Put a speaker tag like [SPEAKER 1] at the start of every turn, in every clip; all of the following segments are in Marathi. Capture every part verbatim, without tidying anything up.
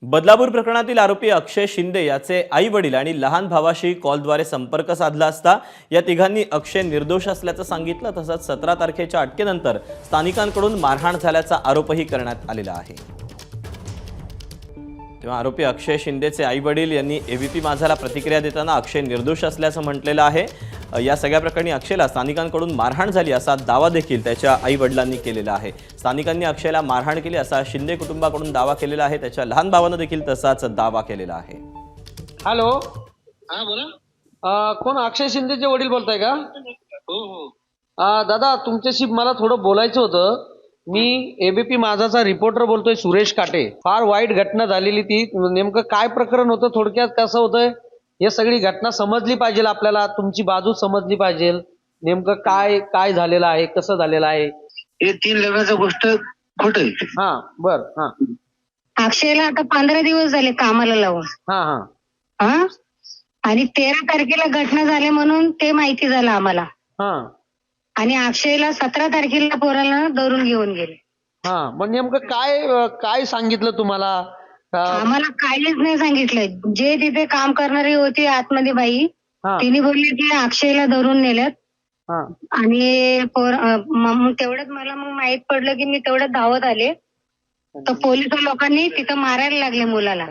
[SPEAKER 1] बदलापूर प्रकरणातील आरोपी अक्षय शिंदे याचे आई वडील आणि लहान भावाशी कॉलद्वारे संपर्क साधला असता या तिघांनी अक्षय निर्दोष असल्याचं सांगितलं। तसंच सतरा तारखेच्या अटकेनंतर स्थानिकांकडून मारहाण झाल्याचा आरोपही करण्यात आलेला आहे। तेव्हा आरोपी अक्षय शिंदेचे आई वडील यांनी एबीपी माझाला प्रतिक्रिया देताना अक्षय निर्दोष असल्याचं म्हटलेलं आहे। या सगळ्या प्रकरणी अक्षयला स्थानिकांकडून मारहाण झाली असा दावा देखील त्याच्या आई वडिलांनी केलेला आहे। स्थानिकांनी अक्षयला मारहाण केली असा शिंदे कुटुंबाकडून दावा केलेला आहे। त्याच्या लहान भावानं देखील तसाच दावा केलेला आहे।
[SPEAKER 2] हॅलो,
[SPEAKER 3] हा बोला।
[SPEAKER 2] अ, कोण अक्षय शिंदेचे वडील बोलताय का?
[SPEAKER 3] हो हो
[SPEAKER 2] अ, दादा तुमच्याशी मला थोडं बोलायचं होतं। मी एबीपी माझाचा रिपोर्टर बोलतोय, सुरेश काटे। फार वाईट घटना झालेली ती, नेमकं काय प्रकरण होतं, थोडक्यात कसं होतंय हे सगळी घटना समजली पाहिजे आपल्याला, तुमची बाजू समजली पाहिजे। नेमकं काय काय झालेलं आहे, कसं झालेलं आहे?
[SPEAKER 3] हे तीन लग्नाचं गोष्ट खोट आहे।
[SPEAKER 2] हा बर हा
[SPEAKER 4] अक्षयला आता पंधरा दिवस झाले कामाला लावून।
[SPEAKER 2] हा हा
[SPEAKER 4] हा आणि तेरा तारखेला घटना झाली म्हणून ते माहिती झालं आम्हाला।
[SPEAKER 2] हा
[SPEAKER 4] आणि अक्षयला सतरा तारखेला पोराला धरून घेऊन गेले।
[SPEAKER 2] हा मग नेमकं काय अ, काय सांगितलं तुम्हाला? अ,
[SPEAKER 4] आम्हाला काहीच नाही सांगितलं। जे तिथे काम करणारी होती आतमध्ये बाई,
[SPEAKER 2] हा
[SPEAKER 4] तिने बोलली की अक्षयला धरून नेल्यात।
[SPEAKER 2] हा
[SPEAKER 4] आणि पोर अं, मग तेवढ्यात मला मग माहित पडलं की मी तेवढ्यात धावत आले, तर पोलीस लोकांनी तिथं मारायला लागले मुलाला।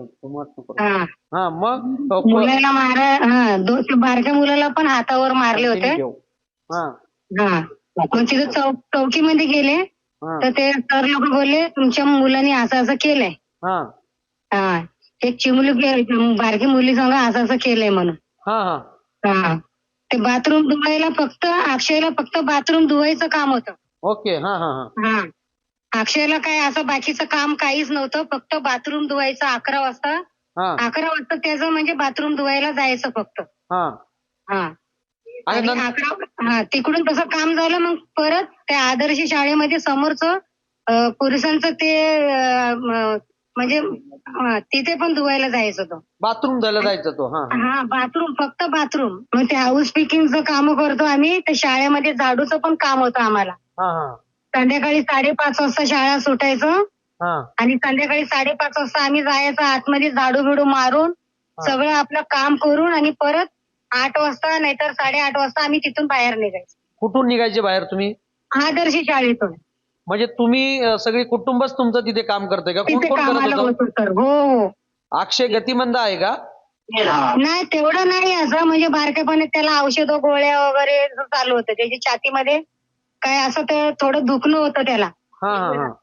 [SPEAKER 4] हा
[SPEAKER 2] हा मग अ, प-
[SPEAKER 4] मुलाला मारा हा दो त्या बारक्या मुलाला पण हातावर मारले होते।
[SPEAKER 2] हा
[SPEAKER 4] हा मग तिथं चौक चौकीमध्ये गेले
[SPEAKER 2] हा
[SPEAKER 4] तर ते सर लोक बोलले तुमच्या मुलांनी असं असं केलंय।
[SPEAKER 2] हा
[SPEAKER 4] हा एक चिमुली बारकी मुली संग असं असं केलंय म्हणून।
[SPEAKER 2] हा हा
[SPEAKER 4] हा ते बाथरूम धुवायला फक्त अक्षयला फक्त बाथरूम धुवायचं काम होतं।
[SPEAKER 2] ओके हा हा हा
[SPEAKER 4] हा अक्षयला काय असं बाकीचं काम काहीच नव्हतं, फक्त बाथरूम धुवायचं। अकरा वाजता
[SPEAKER 2] हा
[SPEAKER 4] अकरा वाजता त्याचं म्हणजे बाथरूम धुवायला जायचं फक्त।
[SPEAKER 2] हा
[SPEAKER 4] हा
[SPEAKER 2] आणि
[SPEAKER 4] आणि
[SPEAKER 2] नंतर
[SPEAKER 4] अकरा हा तिकडून तसं काम झालं मग परत त्या आदर्श शाळेमध्ये समोरचं अं, पुरुषांचं ते अं, म- म्हणजे अं, तिथे पण धुवायला जायचं होतं।
[SPEAKER 2] बाथरूम जायला जायचं तो हा हा
[SPEAKER 4] हा बाथरूम फक्त बाथरूम। मग ते हाऊस पिकिंगचं काम करतो आम्ही, तर शाळेमध्ये झाडूचं पण काम होतं आम्हाला।
[SPEAKER 2] हा हा
[SPEAKER 4] संध्याकाळी साडेपाच वाजता शाळा सुटायचं
[SPEAKER 2] हा
[SPEAKER 4] आणि संध्याकाळी साडेपाच वाजता आम्ही जायचं आतमध्ये झाडू बिडू मारून सगळं आपलं काम करून आणि परत आठ वाजता नाहीतर साडेआठ वाजता आम्ही तिथून बाहेर निघायचो।
[SPEAKER 2] कुठून निघायचे बाहेर तुम्ही?
[SPEAKER 4] आदर्श शाळेतून।
[SPEAKER 2] म्हणजे तुम्ही अ, सगळी कुटुंबच तुमचं तिथे काम करते का? कोण
[SPEAKER 4] तिथे
[SPEAKER 2] कोण करत
[SPEAKER 4] कामाला
[SPEAKER 2] होतं?
[SPEAKER 4] होतो सर। हो हो
[SPEAKER 2] अक्षय गतिमंद आहे का?
[SPEAKER 4] नाही तेवढं नाही, असं म्हणजे बारकेपणे त्याला औषध गोळ्या वगैरे असं चालू होतं। त्याची छातीमध्ये काय असं ते थोडं दुखणं होतं त्याला।
[SPEAKER 2] हा हा हा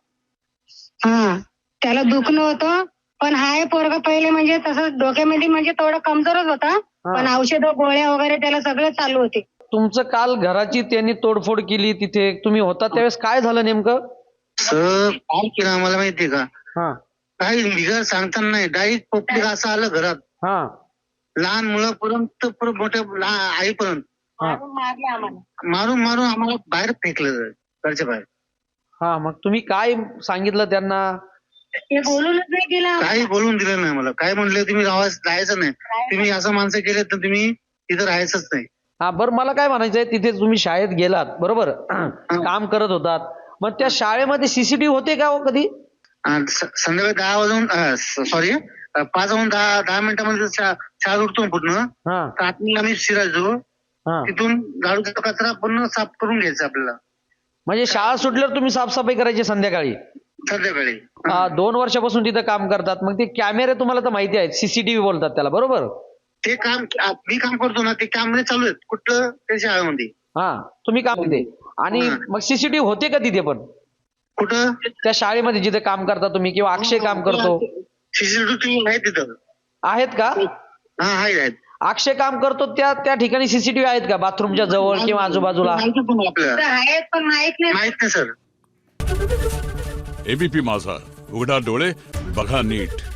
[SPEAKER 4] हा त्याला दुखणं होतं, पण हाय पोरगा पहिले म्हणजे तसं डोक्यामध्ये म्हणजे थोडं कमजोरच होता, पण औषध गोळ्या वगैरे त्याला सगळं चालू होते।
[SPEAKER 2] तुमचं काल घराची त्यांनी तोडफोड केली, तिथे तुम्ही होता त्यावेळेस काय झालं नेमकं?
[SPEAKER 3] सर काय केलं आम्हाला माहितीये का?
[SPEAKER 2] हा
[SPEAKER 3] काही निघा सांगताना नाही, डायरेक्ट पब्लिक असं आलं घरात,
[SPEAKER 2] हा
[SPEAKER 3] लहान मुलापर्यंत परत मोठ्या लहान आईपर्यंत
[SPEAKER 4] मारून मारले आम्हाला।
[SPEAKER 3] मारून मारून आम्हाला बाहेर फेकलं घरच्या बाहेर।
[SPEAKER 2] हा मग तुम्ही काय सांगितलं त्यांना?
[SPEAKER 4] ते बोलूनच नाही केलं।
[SPEAKER 3] काही बोलून दिलं नाही मला। काय म्हणले तुम्ही राहायचं राहायचं नाही, तुम्ही असं माणसं केले तर तुम्ही तिथं राहायचंच नाही।
[SPEAKER 2] हा बरं मला काय म्हणायचंय, तिथे तुम्ही शाळेत गेलात बरोबर, काम करत होतात, मग त्या शाळेमध्ये सीसीटीव्ही होते का हो कधी?
[SPEAKER 3] आणि स- संध्याकाळी दहा वाजून सॉरी पाच वाजून दहा दहा मिनिटांमध्ये शा- शाळा उठतो पूर्ण,
[SPEAKER 2] हा
[SPEAKER 3] तर आतमध्ये आम्ही शिरायचो,
[SPEAKER 2] हा
[SPEAKER 3] तिथून गाडूचा कचरा पूर्ण साफ करून घ्यायचा आपल्याला
[SPEAKER 2] म्हणजे शाळा सुटल्यावर तुम्ही साफसफाई करायची संध्याकाळी?
[SPEAKER 3] संध्याकाळी।
[SPEAKER 2] हा, दोन वर्षापासून तिथं काम करतात, मग ते कॅमेरे तुम्हाला तर माहिती आहेत, सीसीटीव्ही बोलतात त्याला बरोबर?
[SPEAKER 3] ते काम मी काम करतो ना, ते कॅमेरे चालू आहेत कुठलं त्या शाळेमध्ये।
[SPEAKER 2] हा तुम्ही काम तिथे, आणि मग सीसीटीव्ही होते का तिथे पण
[SPEAKER 3] कुठं?
[SPEAKER 2] त्या शाळेमध्ये जिथे काम करता तुम्ही, किंवा अक्षय काम करतो?
[SPEAKER 3] सीसीटीव्ही आहे तिथं।
[SPEAKER 2] आहेत का?
[SPEAKER 3] हा आहेत आहेत
[SPEAKER 2] अक्षय काम करतो त्या त्या ठिकाणी सीसीटीव्ही आहेत का, बाथरूमच्या जवळ किंवा आजूबाजूला?
[SPEAKER 3] आपल्याला
[SPEAKER 4] आहेत पण माहित नाही।
[SPEAKER 3] माहित नाही सर।
[SPEAKER 5] एबीपी माझा, उघडा डोळे बघा नीट।